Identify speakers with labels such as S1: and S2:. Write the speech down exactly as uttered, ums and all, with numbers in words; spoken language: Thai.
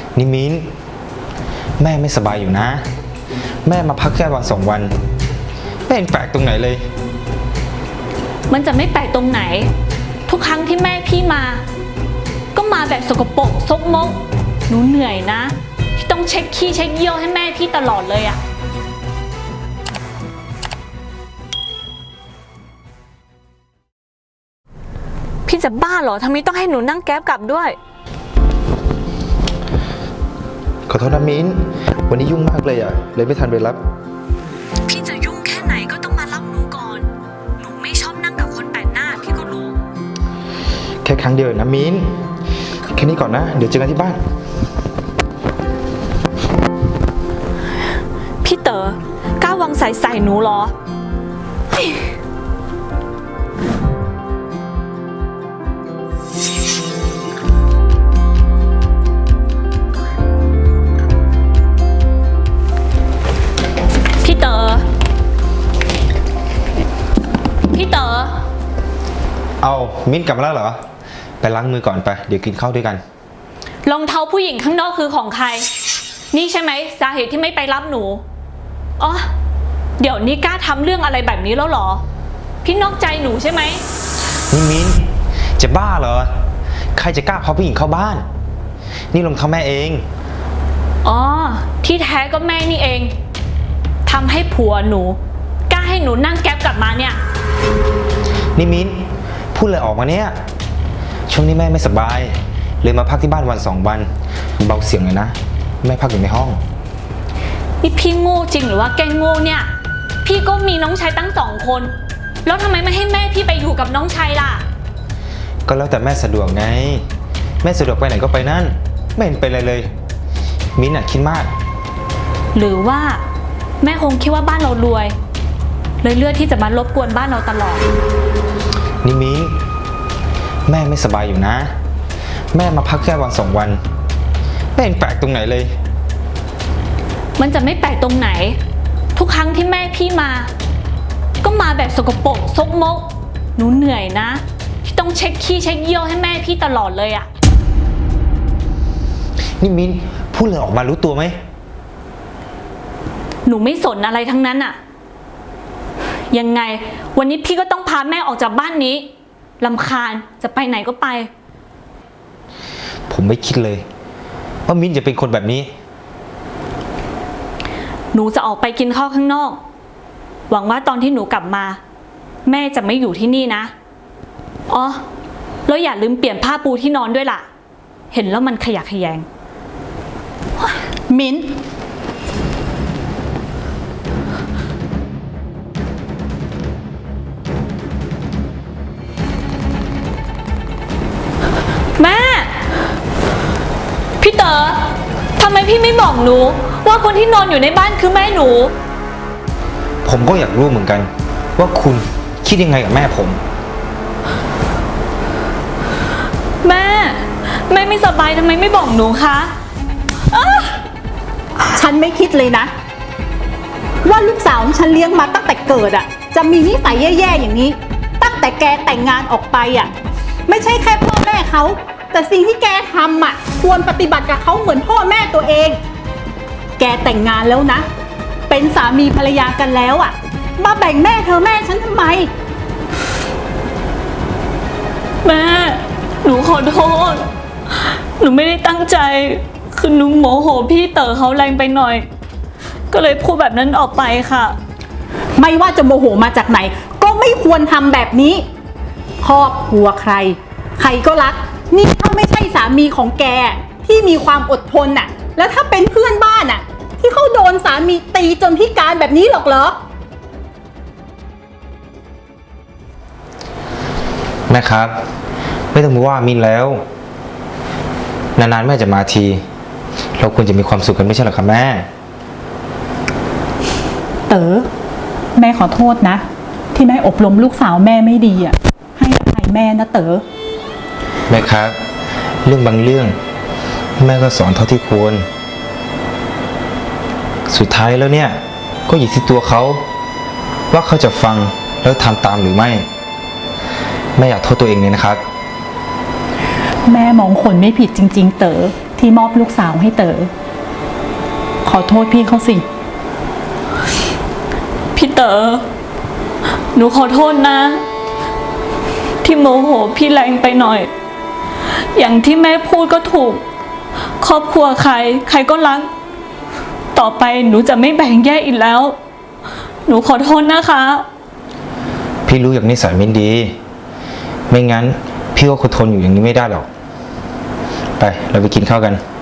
S1: นิมินแม่ไม่สบายอยู่นะแม่มาพักแค่วันสองวันไม่เห็นแปลกตรงไหนเลย
S2: มันจะไม่แปลกตรงไหนทุกครั้งที่แม่พี่มาก็มาแบบสกปรกซกมกหนูเหนื่อยนะที่ต้องเช็คขี้เช็คเยี่ยวให้แม่พี่ตลอดเลยอะพี่จะบ้าเหรอทำไมต้องให้หนูนั่งแก๊บกลับด้วย
S1: ขอโทษนะมิ้นวันนี้ยุ่งมากเลยอ่ะเลยไม่ทันไปรับ
S2: พี่จะยุ่งแค่ไหนก็ต้องมารับหนูก่อนหนูไม่ชอบนั่งกับคนแปลกหน้าพี่ก็รู้
S1: แค่ครั้งเดียวนะมิ้นแค่นี้ก่อนนะเดี๋ยวเจอกันที่บ้าน
S2: พี่เต๋อกล้าวางใส่ใส่หนูเหรอพี่เต๋อพี่เต๋อ
S1: เอามิ้นกลับมาแล้วเหรอไปล้างมือก่อนไปเดี๋ยวกินข้าวด้วยกัน
S2: รองเท้าผู้หญิงข้างนอกคือของใครนี่ใช่ไหมสาเหตุที่ไม่ไปรับหนูอ๋อเดี๋ยวนี้กล้าทำเรื่องอะไรแบบนี้แล้วเหรอพี่นอกใจหนูใช่ไหม
S1: นี่มิ้นจะบ้าเหรอใครจะกล้าพาผู้หญิงเข้าบ้านนี่รองเท้าแม่เอง
S2: อ๋อที่แท้ก็แม่นี่เองทำให้ผัวหนูกล้าให้หนูนั่งแก๊ปกลับมาเนี่ย
S1: นี่มิ้นพูดเลยออกมาเนี่ยช่วงนี้แม่ไม่สบายเลยมาพักที่บ้านวันสองวันเบาเสียงเลยนะแม่พักอยู่ในห้อง
S2: นี่พี่โง่จริงหรือว่าแกโง่เนี่ยพี่ก็มีน้องชายตั้งสองคนแล้วทำไมไม่ให้แม่พี่ไปอยู่กับน้องชายล่ะ
S1: ก็แล้วแต่แม่สะดวกไงแม่สะดวกไปไหนก็ไปนั่นไม่เห็นเป็นอะไรเลยมิ้นอ่ะคิดมาก
S2: หรือว่าแม่คงคิดว่าบ้านเรารวยเลยเลือกที่จะมารบกวนบ้านเราตลอด
S1: นี่มิ้นแม่ไม่สบายอยู่นะแม่มาพักแค่วันสองวันไม่เห็นแปลกตรงไหนเลย
S2: มันจะไม่แปลกตรงไหนทุกครั้งที่แม่พี่มาก็มาแบบสกปรกซกมกหนูเหนื่อยนะที่ต้องเช็คขี้เช็คเยี่ยวให้แม่พี่ตลอดเลยอะ
S1: นี่มิ้นพูดเลยออกมารู้ตัวไหม
S2: หนูไม่สนอะไรทั้งนั้นอะยังไงวันนี้พี่ก็ต้องพาแม่ออกจากบ้านนี้รำคาญจะไปไหนก็ไป
S1: ผมไม่คิดเลยว่ามิ้นจะเป็นคนแบบนี้
S2: หนูจะออกไปกินข้าวข้างนอกหวังว่าตอนที่หนูกลับมาแม่จะไม่อยู่ที่นี่นะอ๋อแล้วอย่าลืมเปลี่ยนผ้าปูที่นอนด้วยล่ะเห็นแล้วมันขยะแขยง
S3: มิ้น
S2: แม่พี่เต๋อทำไมพี่ไม่บอกหนูว่าคนที่นอนอยู่ในบ้านคือแม่หนู
S1: ผมก็อยากรู้เหมือนกันว่าคุณคิดยังไงกับแม่ผม
S2: แม่แม่ไม่สบายทำไมไม่บอกหนูคะ
S3: ฉันไม่คิดเลยนะว่าลูกสาวของฉันเลี้ยงมาตั้งแต่เกิดอ่ะจะมีนิสัยแย่ๆอย่างนี้ตั้งแต่แกแต่งงานออกไปอ่ะไม่ใช่แค่พ่อแม่เขาแต่สิ่งที่แกทำอ่ะควรปฏิบัติกับเขาเหมือนพ่อแม่ตัวเองแกแต่งงานแล้วนะเป็นสามีภรรยากันแล้วอ่ะมาแบ่งแม่เธอแม่ฉันทำไม
S2: แม่หนูขอโทษหนูไม่ได้ตั้งใจคือหนูโมโหพี่เต๋อเขาแรงไปหน่อยก็เลยพูดแบบนั้นออกไปค่ะ
S3: ไม่ว่าจะโมโหมาจากไหนก็ไม่ควรทำแบบนี้ครอบครัวใครใครก็รักนี่ถ้าไม่ใช่สามีของแกที่มีความอดทนน่ะแล้วถ้าเป็นเพื่อนบ้านน่ะที่เขาโดนสามีตีจนพิการแบบนี้หรอกเหรอ
S1: แม่ครับไม่ต้องมาว่ามินแล้วนานๆแม่จะมาทีเราควรจะมีความสุขกันไม่ใช่หรอครับแม่
S3: เต๋อแม่ขอโทษนะที่แม่อบรมลูกสาวแม่ไม่ดีอ่ะให้อภัยแม่นะเต๋อ
S1: แม่ครับเรื่องบางเรื่องแม่ก็สอนเท่าที่ควรสุดท้ายแล้วเนี่ยก็อยู่ที่ตัวเขาว่าเขาจะฟังแล้วทำตามหรือไม่แม่อยากโทษตัวเองเลยนะครับ
S3: แม่มองคนไม่ผิดจริงๆเต๋อที่มอบลูกสาวให้เต๋อขอโทษพี่เขาสิ
S2: พี่เต๋อหนูขอโทษนะ ที่โมโหพี่แรงไปหน่อย อย่างที่แม่พูดก็ถูก ครอบครัวใคร ใครก็รัก ต่อไปหนูจะไม่แบ่งแยกอีกแล้ว หนูขอโทษนะคะ
S1: พี่รู้อย่างนิสัยไม่ดี ไม่งั้นพี่ก็คงทนอยู่อย่างนี้ไม่ได้หรอก ไปเราไปกินข้าวกัน